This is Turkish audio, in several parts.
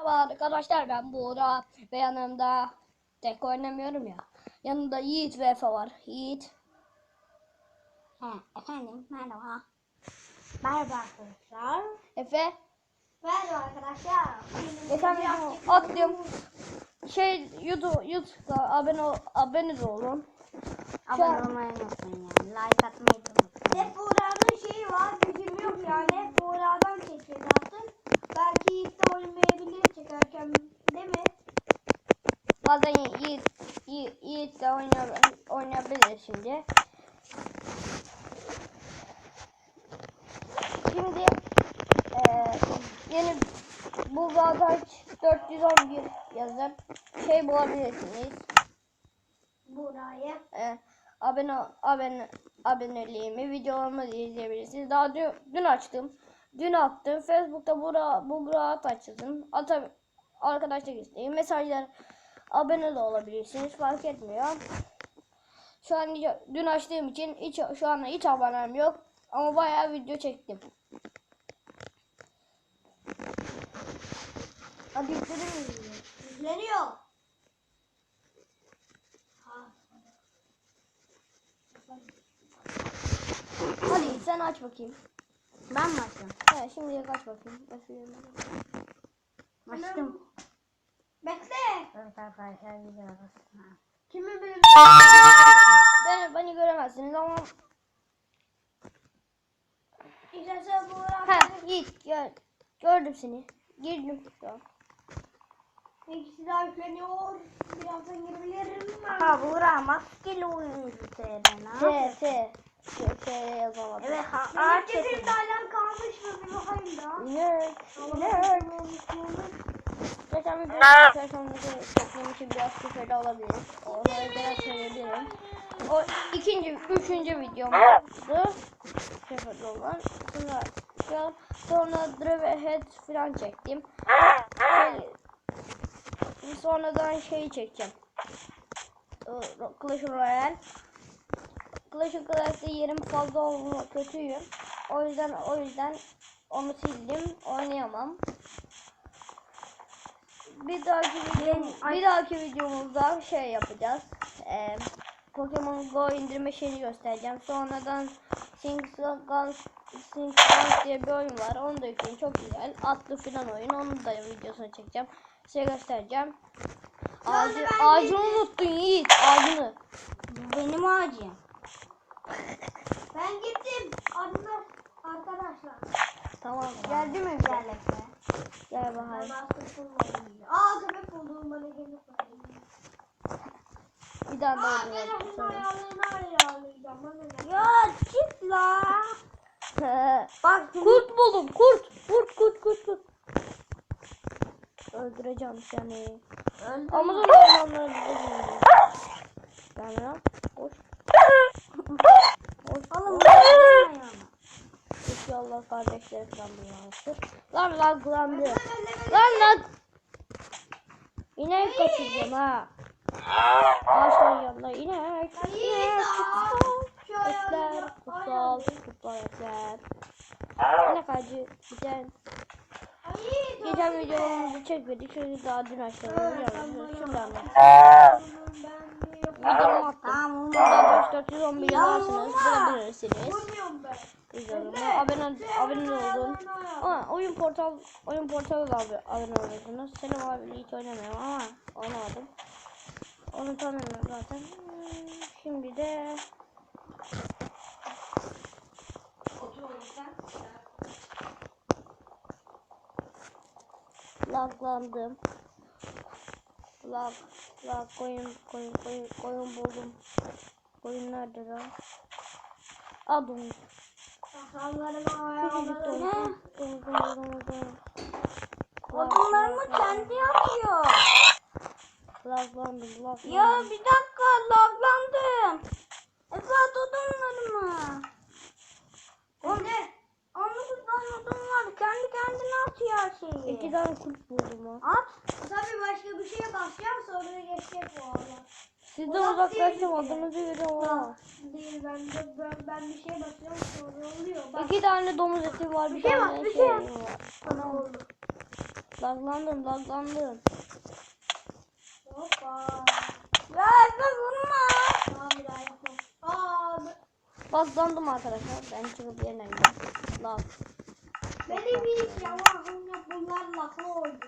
Merhaba arkadaşlar, ben Buğra ve yanımda tek oynamıyorum ya. Yanımda Yiğit ve Efe var. Yiğit. Efendim merhaba. Merhaba arkadaşlar. Efe. Merhaba arkadaşlar. Geçen video attım. YouTube'da abone de olun. Abone olmayı unutmayın yani. Like atmayı unutmayın. Hep Buğra'nın şeyi var, gücüm yok yani. Hep Buğra'dan çekiyor zaten. Belki Yiğit de oynamayabilir çekerken, değil mi? Bazen Yiğit de oynayabilir şimdi. Şimdi yeni Buğra'da 411 yazıp bulabilirsiniz. Buğra'ya. Aboneliğimi, videolarımı da izleyebilirsiniz. Daha dün açtım. Dün attım. Facebook'ta Buğra açtım. Arkadaşlar isteyin. Mesajlar abone de olabilirsiniz. Fark etmiyor. Şu an dün açtığım için şu anda hiç abonem yok. Ama bayağı video çektim. Hadi yükleniyor. Hadi sen aç bakayım. Ben mi açtım? Evet, şimdi aç bakayım. Açtım. Bekle. Evet arkadaşlar gidiyoruz. Kimi bilir? Beni göremezsiniz ama İşte sen Buğra. Yiğit gördüm seni. Girdim. Tamam. İkisi daha yükleniyor. Birazdan girebilirim. Ha Buğra maskeli oyuncu TR T yazamadım. Evet Benim ceserim hala kalmış mı? Bir bakayım da. Geçen bir telefonumuzu çektiğim için biraz küfür de olabilir. Onları biraz söyleyebilirim. O üçüncü videomdu. Küfür olan. Sonra Drive Head falan çektim. Sonradan çekeceğim. Clash Royale. Clash of Clans'te yerim fazla olma kötüyüm. O yüzden onu sildim. Oynayamam. Bir dahaki videomuzda yapacağız. Pokemon Go indirme şeyini göstereceğim. Sonradan Sing Guns diye bir oyun var. Onu da yükleyin. Çok güzel. Atlı filan oyun. Onun da videosunu çekeceğim. Size göstereceğim. Ağacını unuttun Yiğit. Ağacını. Benim ağacım. Ben gittim. Arkadaşlar. Tamam. Geldi mi? Gel bakayım. Köpek buldum bana gelip bakayım. Bir daha da Ben onun ayarlarını ayarlayacağım. Bana ne? Ya çık la. Bak kurt buldum. Kurt. Öldüreceğim seni. Amazon ormanları buldum. Sonra koş. Oğlum İnşallah kardeşleri falan bu Lan laglandı. Lan. İnek kaçıracağım ha. Ağaçların yanına inek. Etler, kutsal etler. İnek ağacı güzel. Geçen videomuzu çekmedik. Şöyle daha dün açtım. Şunu da videomu attım. Burada 411 yazarsınız. Bulabilirsiniz. Abone olun. Oyun portalı da abone olursunuz. Selim abi hiç oynamıyorum ama oynamadım. Onu tanımıyorum zaten. Şimdi de laglandım. Lag koyun buldum. Koyun nerede lan? Adım. odunlarımı kendi atıyor. Laglandım. Ya bir dakika laglandım. Esat odunlarımı. Ne? 19 tane odun var. Kendi kendine atıyor her şeyi. 2 tane kurt buldum ha. At. Tabii başka bir şeye basacağım sonra geçecek bu arada. Sizden uzaklaştım adınızı veriyorum ha. Değil ben bir şeye basıyorum sonra oluyor. Bak 2 tane domuz eti var. Bir şey tane var, bir şey var. var. bana oldu. Laglandım. Hoppa. Ya Efe vurma. Tamam bir daha yapalım. Aa, Laglandım arkadaşlar. Ben çıkıp yerine gidiyorum. Lag. benim ilk yalan bunlar lafı oldu.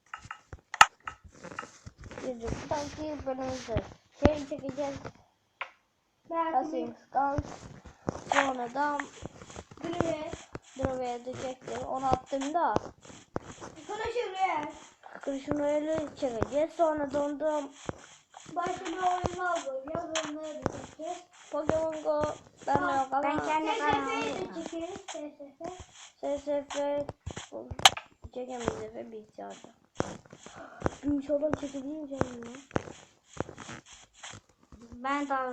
Bir sanki bölümümüzde çekeceğiz. Belki Skulls. Sonra da Gülüyor. Drova'ya düşecektir. Onu attığımda Konuşuyor. kırışını öyle çekeceğiz. Sonra da onda Başka bir oyun aldı. Yazılmaya düşeceğiz. Pokemon Go ben de yok ama Ben kendi SSF'yi kanalımda. de çekeriz. SSF. SSF çekemeyiz Efe bilgisayarda. İnşallah çekebiliriz canım ya. Ben de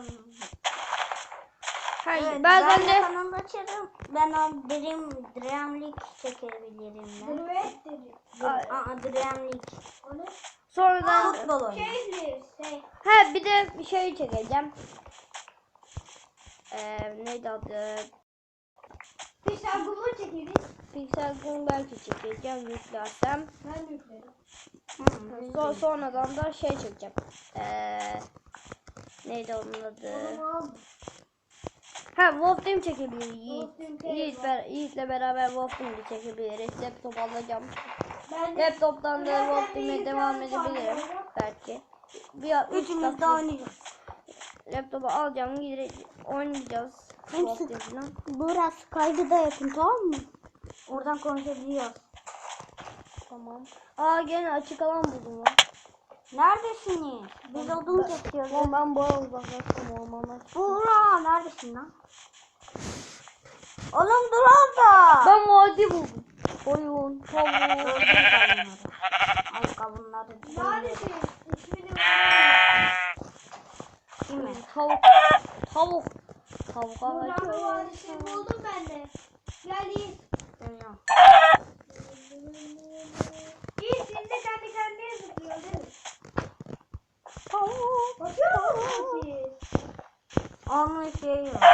Hayır evet, bazen ben de kanalı açarım. Ben o Dreamlik çekebilirim ben. Gülüyor dedi. Dreamlik. O ne? sonradan Futbol oyunu. Keyifli. ha bir de bir şey çekeceğim. Neydi adı? Pişler kumu çekeriz. Pixel Gun belki çekeceğim yüklersem. Ben de yüklerim. Sonradan da şey çekeceğim. Neydi onun adı? Tamam. Ha Wolf Team çekebiliriz. Wolf Team çekelim. Yiğit'le beraber Wolf Team'i çekebiliriz. Laptop alacağım. Ben de Laptop'tan da Ben Wolf de Team'e bir devam tane edebilirim. var. Belki. Üçümüz de oynayacağız. Laptopu alacağım. Oynayacağız. Wolf Team falan. Burası kaydı da yapın, tamam mı? Oradan konuşabiliyoruz. Tamam. Gene açık alan buldum lan. Neredesiniz? Biz odun kesiyoruz. Lan ben bayağı uzaklaştım ormandan. Buğra neredesin lan? Oğlum dur orada. Ben vadi buldum. Koyun, tavuk. Öldür kavunları. Ay kavunları. neredesin? İsmini ver. Değil mi? Tavuk. Tavuk Buranın ağacı. vadisini buldum ben de. Gel Yiğit. Görüyorum. Yiğit siz de kendi kendine zıplıyor değil mi? Tavuk. Bakıyor musunuz siz? Onun şeyi yok.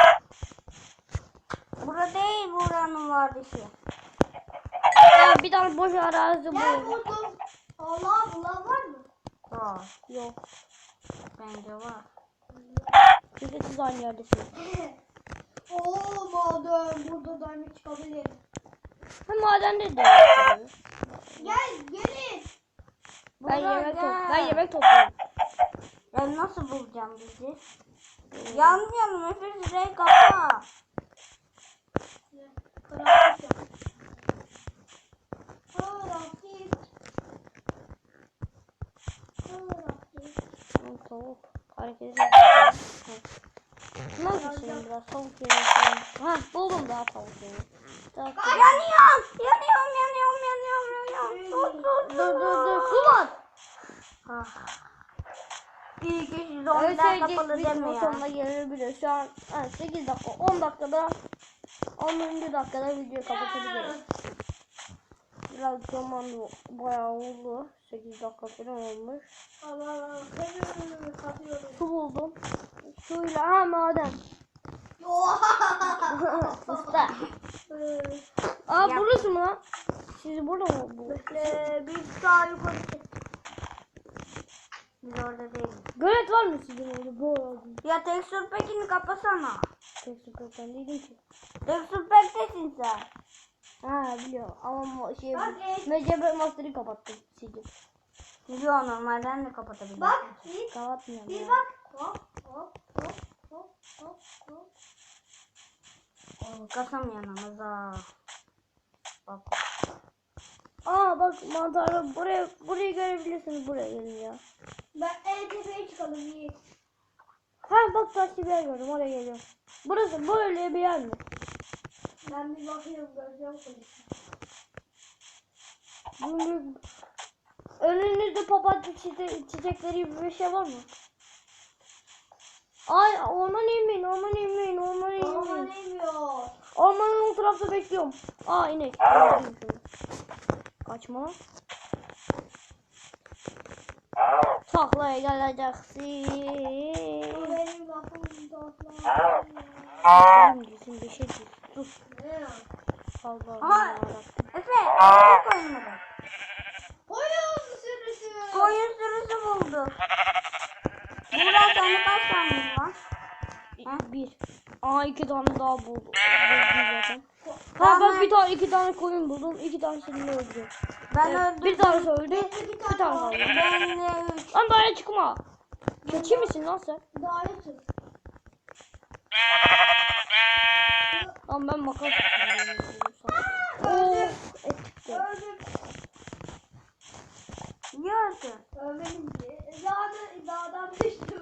Bura değil, buranın vardisi. Bir tane boş arazi Gel bu. buldum. Allah bulan var mı? Var. Yok. Bence var. Çünkü siz aynı yerdesiniz. Oo madem burada diamond çıkabilir. Ha madende de. yapıyoruz. Gel gelin. Ben yemek topluyorum. Ya nasıl bulacağım bizi? Yanmayalım, Efe şurayı kapa. Karanlık yap. Karanlık. Karanlık. Tavuk. Hareket ediyor. Nasıl biraz tavuk yemek. Ha buldum daha tavuk yemek. Yanıyorum. Dur. Su var. Ah. İyi ki şu zombiler kapalı Video demiyor. sonuna gelebilir. Şu an 8 dakika 10 dakikada 10. dakikada videoyu kapatabiliriz. Biraz zaman bayağı oldu. 8 dakika falan olmuş. Allah katıyorum. Su buldum. Suyla maden. Usta. Burası mı lan? Siz burada mı bu? Bir daha yukarı çık. Biz orada değiliz. Gölet var mı sizin orada? Bu arada. Ya tekstür pekini kapasana. Tek süperden değilim ki. Tekstür pektesin sen. Ha biliyorum ama şey Bak, Mecebe Master'ı kapattım. Sildim. Biliyor normalden de kapatabilirim. Bak Yiğit. Kapatmıyorum Bir ya. bak. Hop. Kasam yanımıza. Bak. Bak mantarı burayı görebilirsiniz, buraya gelin ya. Ben en tepeye çıkalım Yiğit. Bak taşlı bir yer gördüm, oraya geliyorum. Burası böyle bir yer mi? Ben bir bakıyorum göreceğim polisi. Bunun önünüzde papatya çiçekleri gibi bir şey var mı? Ay orman inmeyin. Ama neymiyor. Ormanın o tarafta bekliyorum. İnek. Kaçma. Taklaya geleceksin. O benim lafım toplam. Şimdi bir şey değil. Dur. Ne ya? Allah Aha. Allah. Efe, Efe koymadı. oldu. Buğra sende kaç tane var? Bir. Aa 2 tane daha buldum zaten. Ha ben bir tane 2 tane koyun buldum. 2 tanesini de öldürdüm. Ben Evet, öldürdüm. bir tanesi öldü. Bir Bir tane kaldı. Ben de 3. Lan daire çıkma. Keçi misin lan sen? Daha tut. Lan ben makas tutuyorum. Oo, et çıktı. Öldüm. Niye öldün? Ölmedim ki. Dağdan düştüm.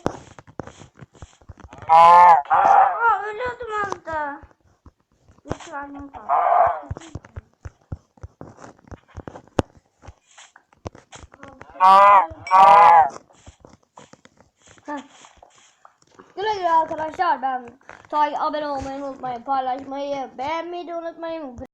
Aa ölüyordum az da. 3 verdim kaldı. Heh. Güle güle arkadaşlar. Ben abone olmayı unutmayın. Paylaşmayı, beğenmeyi de unutmayın.